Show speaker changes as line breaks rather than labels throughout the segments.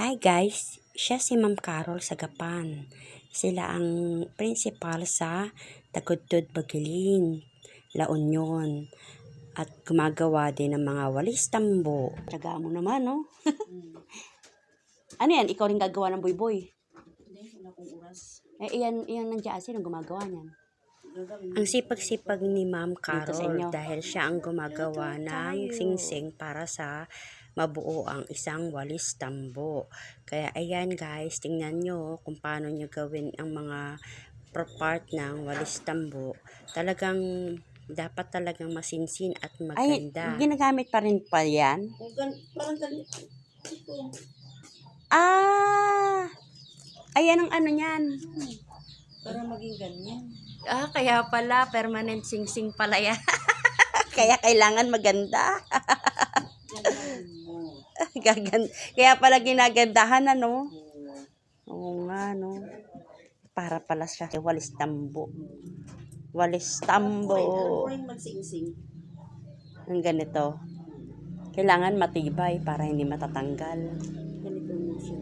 Hi guys, siya si Ma'am Carol Sagapan. Sila ang principal sa Tagudtod Bagilin, La Union. At gumagawa din ng mga walis tambo. Tsaga mo naman, no? Ano yan? Ikaw rin gagawa ng boy-boy?
Hindi, wala akong oras.
Iyan nandiyan. Sino gumagawa niyan? Ang sipag-sipag ni Ma'am Carol dahil siya ang gumagawa ng singsing para sa mabuo ang isang walis tambo. Kaya ayan guys, tingnan nyo kung paano nyo gawin ang mga part ng walis tambo. Talagang dapat talagang masinsin at maganda. Ay, ginagamit pa rin pa yan?
Parang ganito.
Ah! Ayan ang ano niyan.
Para maging ganyan.
Kaya pala, permanent singsing pala yan. Kaya kailangan maganda. Kaya pala ginagandahan, ano? Oo nga, no? Para pala siya walis tambo. Walis tambo.
Alam ko rin magsingsing.
Ang ganito. Kailangan matibay para hindi matatanggal.
Ganito mo siya.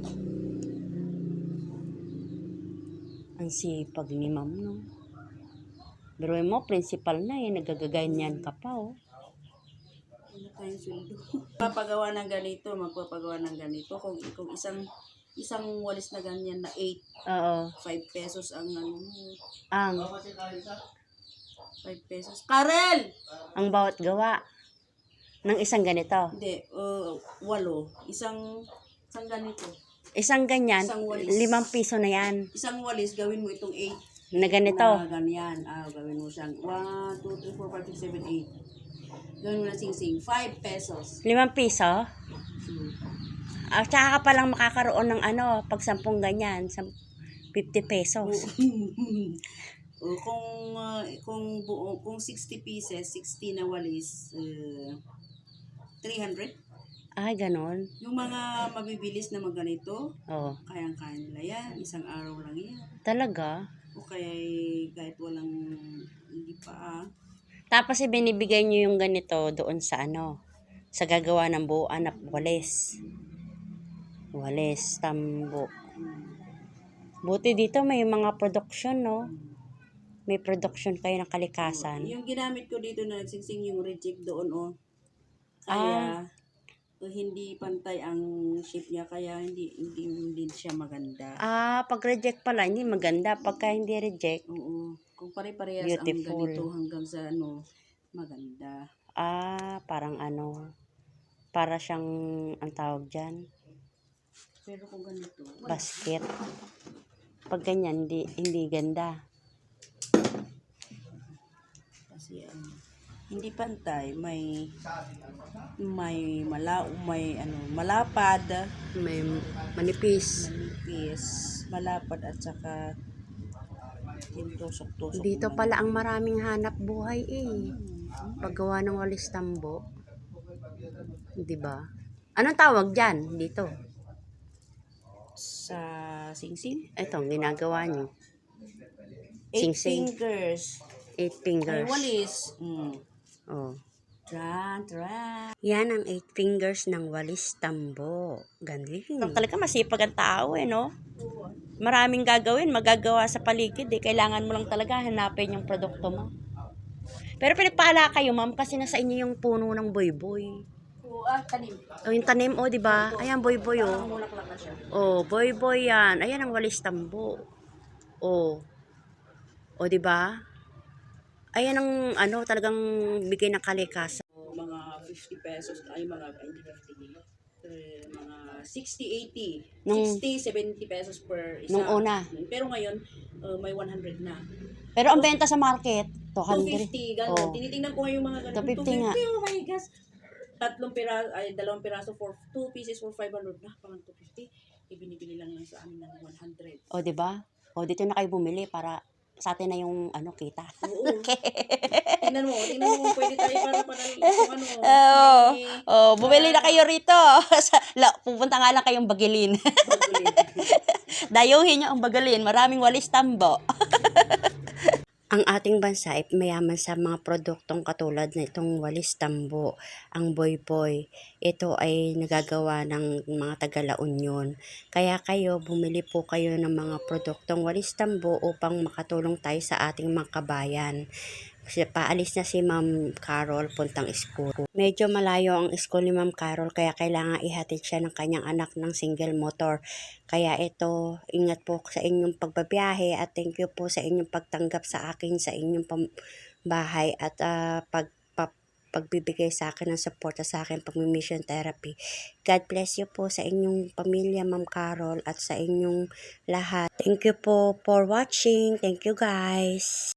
Ang sipag ni ma'am, no? Pero mo, principal na eh. Nagagaganyan ka pa, oh.
Wala tayong sweldo. Magpapagawa ng ganito, magpapagawa ng ganito. Kung isang walis na ganyan na 8,
Oo.
5 pesos ang ano mo.
Ang
5 pesos. Karel!
ang bawat gawa ng isang ganito.
Hindi, 8. Isang ganito.
Isang ganyan,
Isang walis.
5 piso na yan.
Isang walis, gawin mo itong 8.
Na ganito.
Na ganyan. Gawin mo siyang 1, 2, 3, 4, 5, 6, 7, 8. Gawin mo na singsing. 5 pesos.
5 piso? Tsaka ka palang makakaroon ng ano, pag 10 ganyan, 50 pesos.
O kung 60 pieces, 60 na walis, 300.
Ay, ganon.
Yung mga mabibilis na magganito,
Oo.
kayang-kaya nila yan. Isang araw lang yan.
Talaga?
O kaya kahit walang, hindi pa
Tapos ibinibigay nyo yung ganito doon sa ano, sa gagawa ng buuan na walis. Walis, tambo. Buti dito may mga production, no? May production kayo ng kalikasan.
Yung ginamit ko dito na nagsingsing yung reject doon, Kaya, hindi pantay ang shape niya, kaya hindi siya maganda.
Pag reject pala, hindi maganda. Pagka hindi reject,
Oo. Kung pare-parehas
beautiful.
ang ganito hanggang sa maganda.
Parang ano, para siyang, ang tawag dyan,
Pero kung ganito,
basket. Pag ganyan, hindi ganda.
kasi hindi pantay, may malapad,
May manipis.
manipis, malapad at saka yung tusok-tusok.
Dito pala ang maraming hanap buhay eh. Paggawa ng walis tambo. Diba? Anong tawag dyan dito?
Sa singsing,
Ito, ang ginagawa nyo.
8
Singsing.
fingers.
8 fingers.
Ay, walis.
Oh.
Tran.
Yan ang 8 fingers ng walis tambo. Galing. Talaga masipag ang tao eh, no? Maraming gagawin, magagawa sa paligid eh. Kailangan mo lang talaga hanapin yung produkto mo. Pero pinagpala kayo, ma'am, kasi nasa inyo yung puno ng boy-boy.
Tanim.
Yung tanim, di ba? Ayan, boy-boy,
Mulaklak na siya.
boy-boy yan. Ayan ang walis tambo. Di ba? Ayan ang talagang bigay ng kalikasan.
Mga 50 pesos, ay hindi 50. Mga 60, 80.
Nung-
60, 70 pesos per isa.
Nung una.
Pero ngayon, may 100 na.
Pero ang benta sa market, 200.
250, gano'n.
Oh.
Tinitingnan ko yung mga gano'n.
250 nga.
Oh my gosh. 2 piraso for 2 pieces for 500 na. Parang 250. Ibinibili lang sa amin ng 100.
Di ba? Dito na kayo bumili para sa atin na yung kita.
Oo. Tingnan mo kung pwede tayo para kung
Bumili na kayo rito. Pupunta nga lang kayong Bagilin. Dayuhin nyo ang Bagilin. Maraming walis tambo. Ang ating bansa ay mayaman sa mga produktong katulad na itong walis tambo, ang boy-boy. Ito ay nagagawa ng mga taga-La Union. Kaya kayo, bumili po kayo ng mga produktong walis tambo upang makatulong tayo sa ating mga kabayan. Kasi paalis na si Ma'am Carol puntang school. Medyo malayo ang school ni Ma'am Carol kaya kailangan ihatid siya ng kanyang anak ng single motor. Kaya ito, ingat po sa inyong pagbabiyahe at thank you po sa inyong pagtanggap sa akin sa inyong bahay at pagbibigay sa akin ng suporta sa akin pag-mission therapy. God bless you po sa inyong pamilya, Ma'am Carol, at sa inyong lahat. Thank you po for watching. Thank you guys.